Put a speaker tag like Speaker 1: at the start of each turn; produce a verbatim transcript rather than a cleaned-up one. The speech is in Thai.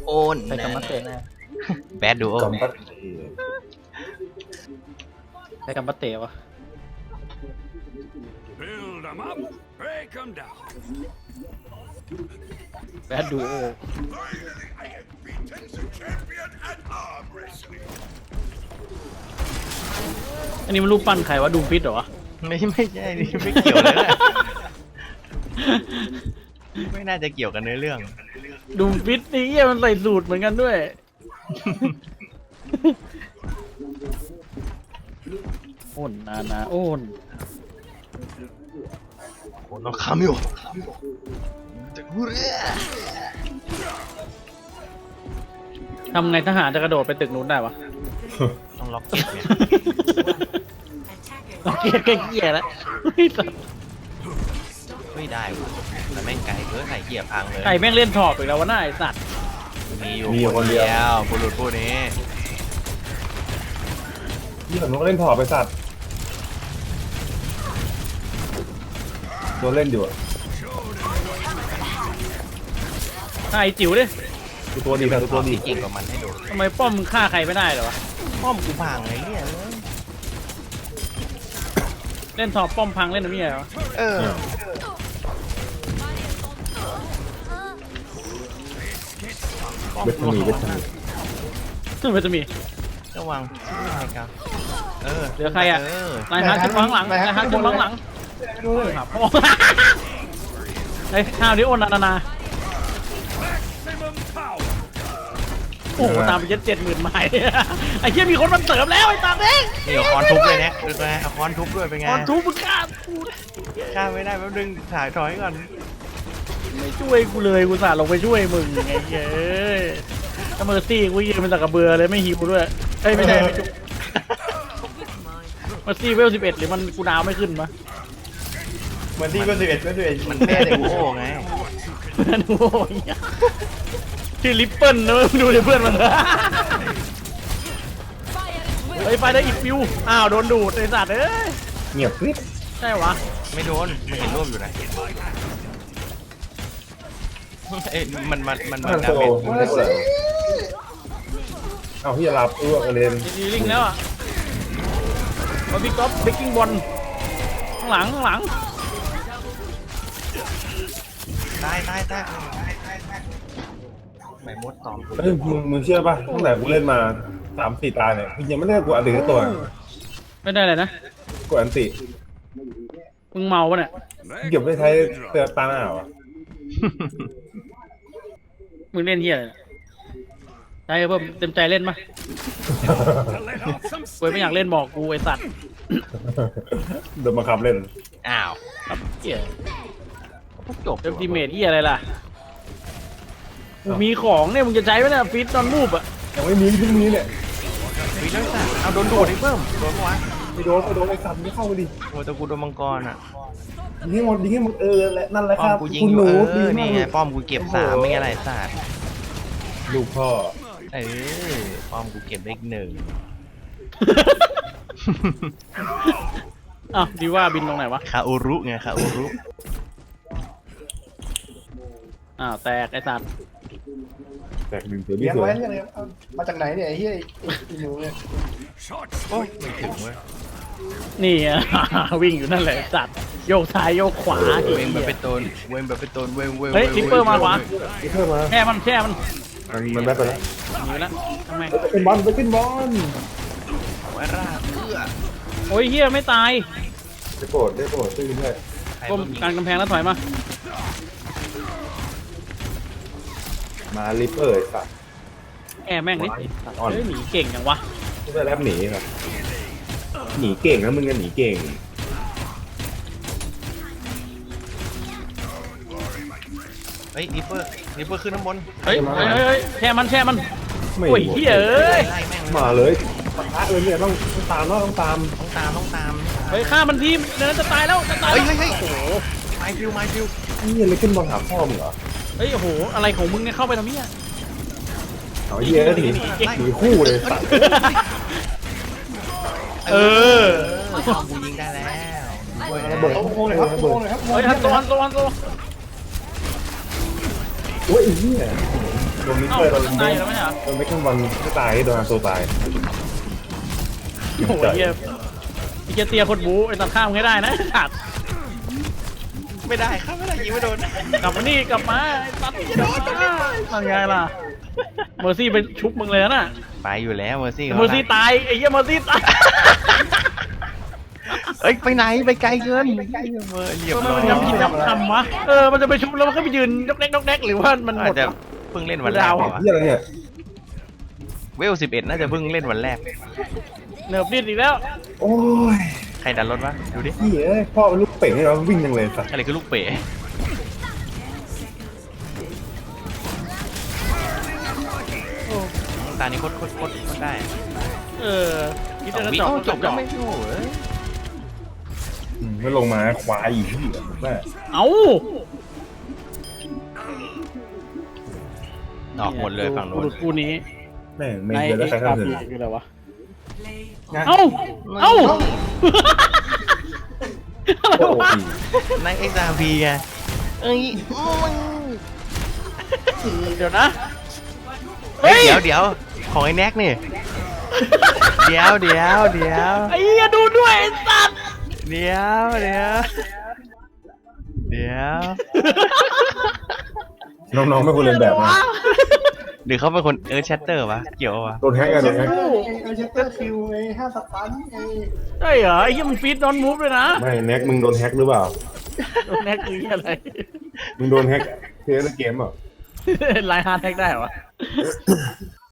Speaker 1: โอน
Speaker 2: ใส่กำมัดเตะนะ
Speaker 1: แบดดูโอ
Speaker 3: กำปั้น
Speaker 2: ใส่กำมัดเตะวะ
Speaker 4: Build them up, break them down.
Speaker 2: แบดดูโอ อันนี้มันรูปปั้นใครวะดูฟิตเหรอวะ
Speaker 1: ไม่ไม่ใช่นี่ไม่เกี่ยวเลยนะไม่น่าจะเกี่ยวกับเนื้อเรื่อง
Speaker 2: ดูฟิตนี่เหี้ยมันใส่สูตรเหมือนกันด้วยโอนนานาโอน
Speaker 1: โอ้น้องคามิโอจะกูเรีย
Speaker 2: ทำไงทหารจะกระโดดไปตึกนู้นได้วะ
Speaker 1: ต้องล็อกเก็ตเนี่ย
Speaker 2: โอเคแค่เหี้ยแล้ว
Speaker 1: ไม่ได้ว่ะแต่แม่งไกลเกินไข่เหี้ยพังเลย
Speaker 2: ไก่แม่งเล่นถอบอีกแล้ววะหน้าไอสัตว์
Speaker 1: มีอยู่คนเดียวบุรุษผู้นี้
Speaker 3: ยี่ห้อมันก็เล่นถอดไปสัตว์โดนเล่นอยู่อะ
Speaker 2: ไก่จิ๋วดิ
Speaker 3: กูตัวดีครับกูตัวดี
Speaker 1: ที่เก่งกว่ามันให้ดู
Speaker 2: ทำไมป้อมมึงฆ่าใครไม่ได้เหรอวะ
Speaker 1: ป้อมกูพังไอ้เนี่ย
Speaker 2: เล่นถอบป้อมพังเล่นอะไรเหรอ
Speaker 1: เออ
Speaker 3: เวทมีเวทมี
Speaker 2: ซึ่งมันจะมี
Speaker 1: ระวังชื่ออะไรกันเออ
Speaker 2: เหลือใครอ่ะ
Speaker 1: เออน
Speaker 2: ายฮาร์ดขึ้นข้างหลังนายฮาร์ดขึ้นข้างหลังครับโอ้ไอ้ข้าวนี้โอนนานานา
Speaker 4: Maximum power.
Speaker 2: โอ้โหตามไปเจ็ดเจ็ดหมื่นไม้ไอ้เหี้ยมีคนมันเสริมแล้วไอ้ตาเด้ง
Speaker 1: นี่เอาคอนทุบเลยเนี่ยดูไงเอาคอนทุบด้วยเป็นไง
Speaker 2: ตอนทูมึงฆ่ากู
Speaker 1: ฆ่าไม่ได้แป๊บนึงถ่ายถอยก่อน
Speaker 2: ไม่ช่วยกูเลยกูสาดลงไปช่วยมึงไงเย้ยถ้าเมอร์ซี่กูยืนเป็นตะกระเบือเลยไม่หิวด้วยเอ้ยไม่ใช่ไม่จุกเมอร์ซี่เวลสิบเอ็ดหรือมันกูดาวไม่ขึ้นมะ
Speaker 3: เหมือนที่ก็สิบเอ็ดก็สิบเอ็ด
Speaker 1: มันแม่แต่กูโอ้ไง
Speaker 2: เพื่อนโอ้ยชื่อลิปเปิลนะมึงดูดิเพื่อนมันเฮ้ยไฟได้อีกฟิวอ้าวโดนดูดไอ้สัตว์เอ้ย
Speaker 3: เงียบกริบ
Speaker 2: ใช่วะ
Speaker 1: ไม่โดนมันเห็นร่วมอยู่นะเอ้ยมันมันมัน
Speaker 3: มั
Speaker 1: มัน
Speaker 3: น
Speaker 1: ดา
Speaker 3: โต
Speaker 1: เมจ
Speaker 3: มันโตเลยเอาพี่จะรับอ้วกกระเด็น
Speaker 2: ดีลิงแล้วอ่ะบอลบี้ก๊อฟเบกกิ้งบอลข้างหลังข้างหลัง
Speaker 1: ตายตายตายไม่มดตอม
Speaker 3: เฮ้ยมึงมึงเชื่อป่ะตั้งแต่กูเล่นมาสามสี่ตาเนี่ยยังไม่ได้กูอันติตัว
Speaker 2: ไม่ได้เลยนะ
Speaker 3: กูอันติ
Speaker 2: มึงเมาปะเนี่ย
Speaker 3: เก็บไว้ใช้เตือนตาหน้าอ่ะ
Speaker 2: มึงเล่นเฮียอะไรเนี่ยใจเพิ่มเต็มใจเล่นปะ
Speaker 4: To let off some
Speaker 2: กูไม่อยากเล่นบอกกูไอสัตว์
Speaker 3: โดนบังคับเล่น
Speaker 1: อ้าว
Speaker 2: ครับเฮีย
Speaker 1: จบ
Speaker 2: เต็มทีเมทเฮียอะไรล่ะกูมีของเนี่ยมึงจะใช้ไหมเนี่ยฟิตตอนมูฟอ่ะ
Speaker 3: ยังไม่มีเพิ่งมีเนี่ย
Speaker 1: วิแล้วสัตว์เอาโดนดูดให้เพิ่มโดนปะวะ
Speaker 3: ไปโดนไปโดนไอ้สัตว์ไม่เข้าไปดิ
Speaker 1: โอ้แต่กูโดนมังกรอ่ะ
Speaker 3: ยิงให้หมดยิงให้หมดเออและนั่นแหละ
Speaker 1: ป้
Speaker 3: ค
Speaker 1: อม
Speaker 3: รับ
Speaker 1: กูยิง
Speaker 3: คุณ
Speaker 1: อ
Speaker 3: ห
Speaker 1: ยู่
Speaker 3: นู
Speaker 1: เอ
Speaker 3: ดี
Speaker 1: อ
Speaker 3: มา
Speaker 1: นี่
Speaker 3: ก
Speaker 1: ไงป้อมกูเก็บสามไม่ไงไรสัตว์
Speaker 3: ลูกพ่อ
Speaker 1: เออป้อมกูเก็บเลขหนึ่ง
Speaker 2: อ้าวดีว่าบินตรงไหนวะ
Speaker 1: คาอุรุไงคาอุรุ
Speaker 2: อ้าวแตกไอสัตว์
Speaker 3: แตกดึงเสือดี
Speaker 5: เลี้ยง
Speaker 3: สว
Speaker 5: ไว้
Speaker 3: ย
Speaker 5: เนี่ยเลยเอามาจากไหนเนี่ยไอ้เหี้ยไอ้หนูเนี่ย
Speaker 4: short
Speaker 1: โอ้ย
Speaker 4: sweep.
Speaker 1: ไม่ถึงเว้ย
Speaker 2: นี่อ่ะ วิ่งอยู่นั่นแหละไอ้สัตว์โยกซ้ายโยกขวาไอ้
Speaker 1: เวงแบบ
Speaker 2: เหี้ย
Speaker 1: เป็นตนเวงแบบเป็นตนเวงเวง
Speaker 2: เฮ้ยลิปเปอร์มาขวา
Speaker 3: นี่เพิ่มมา
Speaker 2: แช่มันแช่มัน
Speaker 3: มันมันแบกไปแล้ว
Speaker 2: หนีแล้วทำไม
Speaker 3: ไปขึ้นบอลไปขึ้นบอล
Speaker 1: วาราเอื้อ
Speaker 2: โอ้ยเฮียไม่ตาย
Speaker 3: ได้โปรดได้โปรดตื้นด้วย
Speaker 1: ใคร
Speaker 2: ก้ม
Speaker 1: มันยิง
Speaker 2: การกำแพงแล้วถอยมา
Speaker 3: มาลิปเปอร์สัตว์
Speaker 2: แอร์แม่งนิดเฮ้ยหนีเก่งอย่างวะ
Speaker 3: ไม่ได้แลบหนีครับหนีเก่งนะมึงกันหนีเก่ง
Speaker 1: เฮ้ยลิปเปอร์ลิปเปอร์ขึ้นน้ำบน
Speaker 2: เฮ้ยเฮ้ยเฮ้ยเฮ้ยแช่มันแช่มัน
Speaker 3: ไม่
Speaker 2: โอ้ยเฮียเอ้ย
Speaker 1: ไล่แม่ง
Speaker 3: มาเลยปะทะเลยเนี่ยต้องต้องตามแล้วต้องตาม
Speaker 1: ต้องตามต้องตาม
Speaker 2: เฮ้ยฆ่ามันทีมเดี๋ยวนั้นจะตายแล้วจะตาย
Speaker 1: เฮ้ย
Speaker 2: แล้ว
Speaker 1: เฮ้ยเฮ้ยโอ้โหไมฟิวไมฟิว
Speaker 3: ไอ้เหี้ยเลยขึ้นบอลหาพ่อมึงเหรอ
Speaker 2: เฮ้ยโอ้โหอะไรของมึงเนี่ยเข้าไปทำเนี้ย
Speaker 3: เอาไอ้เหี้ยหนีหนีคู่เลยสัตว์
Speaker 2: เออ
Speaker 1: ป้อมกูยิงได้แล้วเว้ย
Speaker 3: ระเบิด
Speaker 5: เอาโค้งเลยครับเอาโค้งเลยครับ
Speaker 2: เฮ้ยฮันโซฮันโซฮันโซ
Speaker 3: โอ้ยไอ้เหี้ยโดนนิก
Speaker 2: เอ้า
Speaker 3: เกอร์โดน
Speaker 2: ตายอยู่แล้วไหมเหรอ
Speaker 3: โดนแม็กซ์บอลไม่ตายโดนอาโซตาย
Speaker 2: โอ้โหเหี้ยไอ้เหี้ยเตียคนบูไอ้ตัดข้ามไม่ได้นะขาด
Speaker 1: ไม่ได้ครับไม่ได้ยิงไม่โดน
Speaker 2: กลับมานี่กลับมาไอ้ตัดกลับมาทำไงล่ะเมอร์ซี่ไปชุบมึงเลยนะ
Speaker 1: ไปอยู่แล้วเมอร์ซี่
Speaker 2: เมอร์ซี่ตายไอ้เหี้ยเมอร์ซี่ตาย
Speaker 1: เอ้ยไปไหนไปไกลเกินเมอร์เรียบ
Speaker 2: ทำไม
Speaker 1: ร้อ
Speaker 2: มัน
Speaker 1: ย
Speaker 2: ย้ำคิดย้ำทำวะเออมันจะไปชุบแล้วมันก็ไปยืนยกเล็กยกเล็กหรือว่ามันหม
Speaker 1: อาจ
Speaker 2: ด
Speaker 1: จะเพิ่งเล่นวันแรก
Speaker 2: ดาว
Speaker 1: เปล่าวะ
Speaker 3: เฮียอะไรเนี่ย
Speaker 1: เวลสิบเอ็ดน่าจะเพิ่งเล่นวันแรก
Speaker 2: เหนือบนิดอีกแล้ว
Speaker 3: โอ้ย
Speaker 1: ใครดันรถวะดูดิ
Speaker 3: เฮียเอ้ยพ่อเป็นลูกเป๋งให้เราวิ่งยังเลยสัส
Speaker 1: อะไรคือลูกเป๋ตานี้โคตรโคตรโคตรโคตรได้
Speaker 2: เออคิด
Speaker 1: สอง
Speaker 2: จะ
Speaker 1: วิ
Speaker 2: จบ
Speaker 1: เอ้าจ
Speaker 2: จ
Speaker 1: บบ แล้
Speaker 2: แล้ว ว
Speaker 1: ไม่
Speaker 2: ไม่
Speaker 1: โอ้โห
Speaker 3: อืมไม่ลงมาควายอีกที่แม่
Speaker 2: เอ้า
Speaker 1: ออกหมดเลยฝั่งโน้น
Speaker 2: กูนี้
Speaker 3: แม่งไม่
Speaker 2: ใน
Speaker 3: เจอได้
Speaker 2: เอ็ก
Speaker 3: ใคร
Speaker 2: ซ์
Speaker 3: เข้าถึง
Speaker 2: คืออะไรวะเอ้าเอ้าอะไร
Speaker 3: โอ้
Speaker 2: วะ
Speaker 3: ย
Speaker 1: ในเอ็กซ์อาร์พีไงเอ้ย
Speaker 2: เดี๋ยวนะ
Speaker 1: เฮ้ยเดี๋ยวเดี๋ยวของไอ้แน็กนี่เดี๋ยวเดี๋ยวเดี๋ยว
Speaker 2: ไอ้เหี้ยดูด้วยไอ้สัตว์
Speaker 1: เดี๋ยวเดี๋ยวเดี๋ยว
Speaker 3: น้องๆไม่ควรเรียนแบบนะ
Speaker 1: หรือเขาเป็นคนเออแชตเตอร์วะเกี่ยววะ
Speaker 3: โดนแฮกกันโดนแฮก
Speaker 5: ไอ้ไอ้เชสเตอร์คิวไอ้ห้าสตันไอ้
Speaker 2: ใช่เหรอไอ้เหี้ยมันฟีดนอนมูฟเลยนะ
Speaker 3: ไม่แน็กมึงโดนแฮกหรือเปล่า
Speaker 2: โดนแฮกคือเหี้ยอะไร
Speaker 3: มึงโดนแฮกเพลย์เกมอ่ะ
Speaker 2: ไลน์ฮาร์ดแฮกได้เหรอ